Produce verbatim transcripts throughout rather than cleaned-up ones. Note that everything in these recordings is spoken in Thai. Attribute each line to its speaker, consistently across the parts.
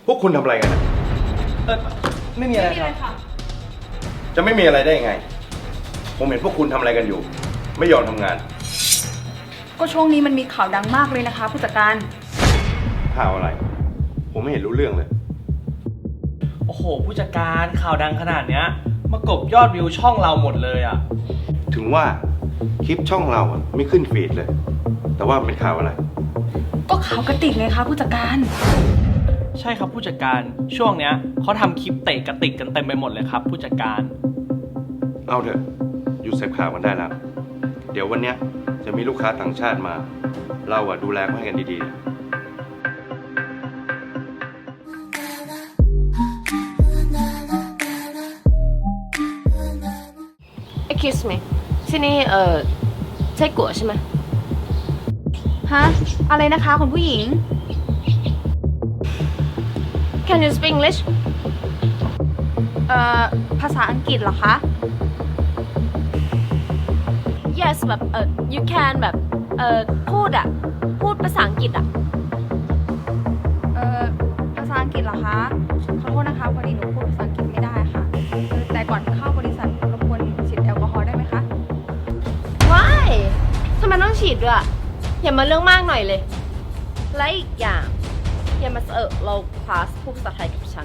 Speaker 1: พวกคุณทำอะไรกันนะ
Speaker 2: เออไม่มีอะไรครับ
Speaker 1: จะไม่มีอะไรได้ยังไง ผมเห็นพวกคุณทำอะไรกันอยู่ ไม่ยอมทำงาน
Speaker 3: ก็ช่วงนี้มันมีข่าวดังมากเลยนะคะผู้จัดการ
Speaker 1: ข่าวอะไร ผมไม่เห็นรู้เรื่องเลย
Speaker 2: โอ้โหผู้จัดการข่าวดังขนาดเนี้ยมากบยอดวิวช่องเราหมดเลยอ่ะ
Speaker 1: ถึงว่าคลิปช่องเราอะไม่ขึ้นฟีดเลย แต่ว่าเป็นข่าวอะไร
Speaker 3: ก็ข่าวกระติกไงคะผู้จัดการ
Speaker 2: ใช่ครับผู้จัดการช่วงเนี้ยเขาทำคลิปเตะกระติกกันเต็มไปหมดเลยครับผู้จัดการ
Speaker 1: เอาเถอะหยุดเสพข่าวกันได้แล้ว เดี๋ยววันเนี้ยจะมีลูกค้าต่างชาติมา เราอะดูแลเขาให้กันดีๆ
Speaker 4: Excuse me ที่นี่เอ่อใช่กัวใช่ไหม
Speaker 3: ฮะ อะไรนะคะคุณผู้หญิง
Speaker 4: Can you speak English
Speaker 3: เอ่อ ภาษาอังกฤษเหรอคะ
Speaker 4: Yes แบบเอ่อ you can แบบเอ่อพูดอะพูดภาษาอังกฤษอะ
Speaker 3: เอ่อ ภาษาอังกฤษเหรอคะ ขอโทษนะคะพอดีหนูพูดภาษาอังกฤษไม่ได้ค่ะเออแต่ก่อนเข้าบริษัทรบกวนฉีดแอลกอฮอล์ได้ไหมคะ
Speaker 4: Why ทำไมต้องฉีดด้วยอะอย่ามาเรื่องมากหน่อยเลย และอีกอย่างอย่ามาเออเราคลาสพูดภาษาไทยกับฉัน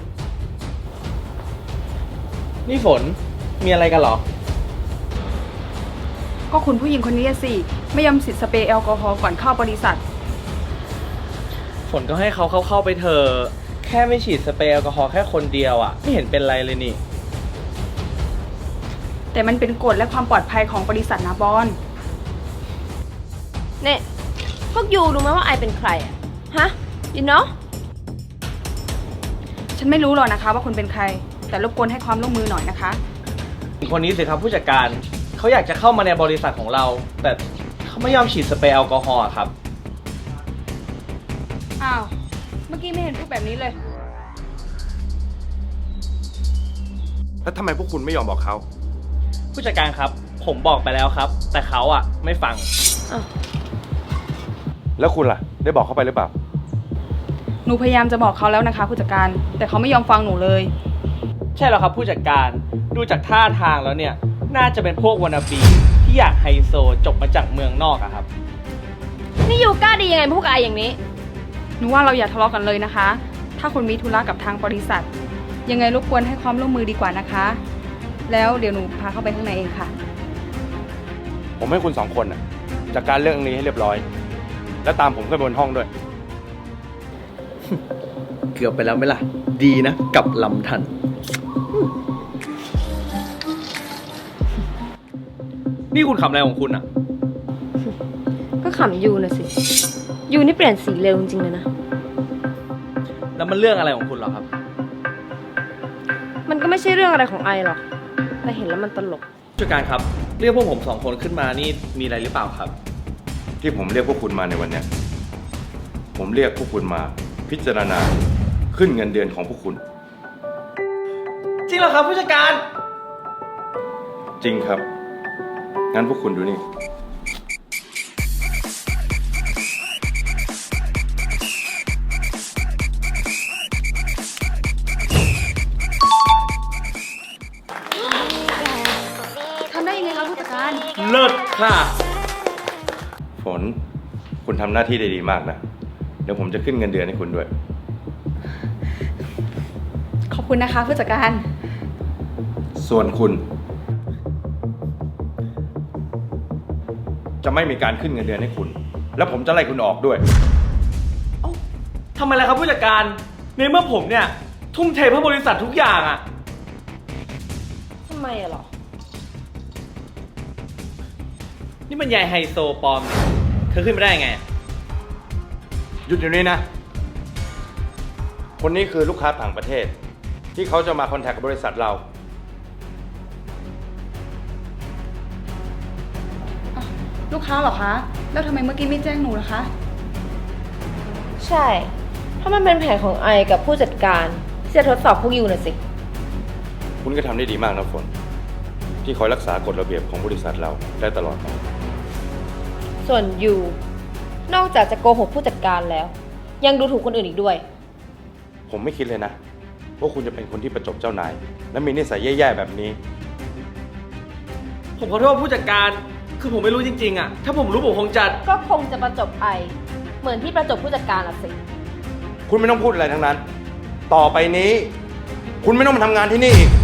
Speaker 2: นี่ฝนมีอะไรกันเหรอ
Speaker 3: ก็คุณผู้หญิงคนนี้สิ ไม่ยอมฉีดสเปรย์แอลกอฮอล์ก่อนเข้าบริษัท
Speaker 2: ฝนก็ให้เขาเข้าเข้าไปเถอะแค่ไม่ฉีดสเปรย์แอลกอฮอล์แค่คนเดียวอ่ะไม่เห็นเป็นไรเลยนี่
Speaker 3: แต่มันเป็นกฎและความปลอดภัยของบริษัทนะบอล
Speaker 4: เนี่ยพวกยูรู้ไหมว่าไอเป็นใครอะฮะ you know
Speaker 3: ฉันไม่รู้หรอกนะคะว่าคุณเป็นใคร แต่รบกวนให้ความร่วมมือหน่อยนะคะ
Speaker 2: คนนี้สิครับผู้จัดการเขาอยากจะเข้ามาในบริษัทของเรา แต่เขาไม่ยอมฉีดสเปรย์แอลกอฮอล์ครับ
Speaker 3: อ้าว เมื่อกี้ไม่เห็นพูดแบบนี้เลย
Speaker 1: แล้วทำไมพวกคุณไม่ยอมบอกเขา
Speaker 2: ผู้จัดการครับ ผมบอกไปแล้วครับ แต่เขาอ่ะไม่ฟัง
Speaker 1: แล้วคุณล่ะ ได้บอกเขาไปหรือเปล่า
Speaker 3: หนูพยายามจะบอกเขาแล้วนะคะผู้จัดการ แต่เขาไม่ยอมฟังหนูเลย
Speaker 2: ใช่แล้วครับผู้จัดการดูจากท่าทางแล้วเนี่ยน่าจะเป็นพวกวานาบีที่อยากไฮโซจบมาจากเมืองนอกอะครับ
Speaker 4: นี่ยูกล้าดียังไงพูดกับไออย่างนี้
Speaker 3: หนูว่าเราอย่าทะเลาะกันเลยนะคะ ถ้าคุณมีธุระกับทางบริษัท ยังไงรบกวนให้ความร่วมมือดีกว่านะคะ แล้วเดี๋ยวหนูพาเข้าไปข้างในเองค่ะ
Speaker 1: ผมให้คุณสองคนน่ะจัดการเรื่องนี้ให้เรียบร้อย แล้วตามผมขึ้นบนห้องด้วย
Speaker 2: เกือบไปแล้วไหมล่ะ ดีนะกับลำทัน นี่คุณขำอะไรของคุณอะ
Speaker 4: ก็ขำยูนะสิ ยูนี่เปลี่ยนสีเร็วจริงๆเลยนะ
Speaker 2: แล้วมันเรื่องอะไรของคุณเหรอครับ
Speaker 4: มันก็ไม่ใช่เรื่องอะไรของไอหรอก แต่เห็นแล้วมันตลก
Speaker 2: ผู้จัดการครับ เรียกพวกผมสองคนขึ้นมานี่มีอะไรหรือเปล่าครับ
Speaker 1: ที่ผมเรียกพวกคุณมาในวันเนี้ยผมเรียกพวกคุณมาพิจารณาขึ้นเงินเดือนของพวกคุณ
Speaker 2: จริงเหรอครับผู้จัดการ
Speaker 1: จริงครับ งั้นพวกคุณดูนี่
Speaker 3: ทำได้ยังไงคะผู้จัดการ
Speaker 2: เลิศค่ะ
Speaker 1: ฝน คุณทำหน้าที่ได้ดีมากนะ เดี๋ยวผมจะขึ้นเงินเดือนให้คุณด้วย
Speaker 3: ขอบคุณนะคะผู้จัดการ
Speaker 1: ส่วนคุณ จะไม่มีการขึ้นเงินเดือนให้คุณ แล้วผมจะไล่คุณออกด้วย
Speaker 2: เอ้าทำไมล่ะครับผู้จัดการ ในเมื่อผมเนี่ย ทุ่มเทเพื่อบริษัททุกอย่างอะ
Speaker 4: ทำไมอะหรอ
Speaker 2: นี่มันยายไฮโซปลอมนี่เธอขึ้นมาได้ไง
Speaker 1: หยุดอยู่นี่นะ คนนี้คือลูกค้าต่างประเทศ ที่เขาจะมาคอนแทคกับบริษัทเรา
Speaker 3: ลูกค้าเหรอคะ แล้วทำไมเมื่อกี้ไม่แจ้งหนูล่ะคะ
Speaker 4: ใช่ ถ้ามันเป็นแผนของไอกับผู้จัดการที่จะทดสอบพวกยูน่ะสิ
Speaker 1: คุณก็ทำได้ดีมากนะฝน ที่คอยรักษากฎระเบียบของบริษัทเราได้ตลอดมา
Speaker 4: ส่วนยู นอกจากจะโกหกผู้จัดการแล้ว ยังดูถูกคนอื่นอีกด้วย
Speaker 1: ผผมไม่คิดเลยนะว่าคุณจะเป็นคนที่ประจบเจ้านาย และมีนิสัยแย่ๆแบบนี้
Speaker 2: ผมขอโทษผู้จัดการ คือผมไม่รู้จริงๆอะถ้าผมรู้ผมคงจะ
Speaker 4: ก็คงจะประจบไอ เหมือนที่ประจบผู้จัดการอะสิ
Speaker 1: คุณไม่ต้องพูดอะไรทั้งนั้น ต่อไปนี้ คุณไม่ต้องมาทำงานที่นี่อีก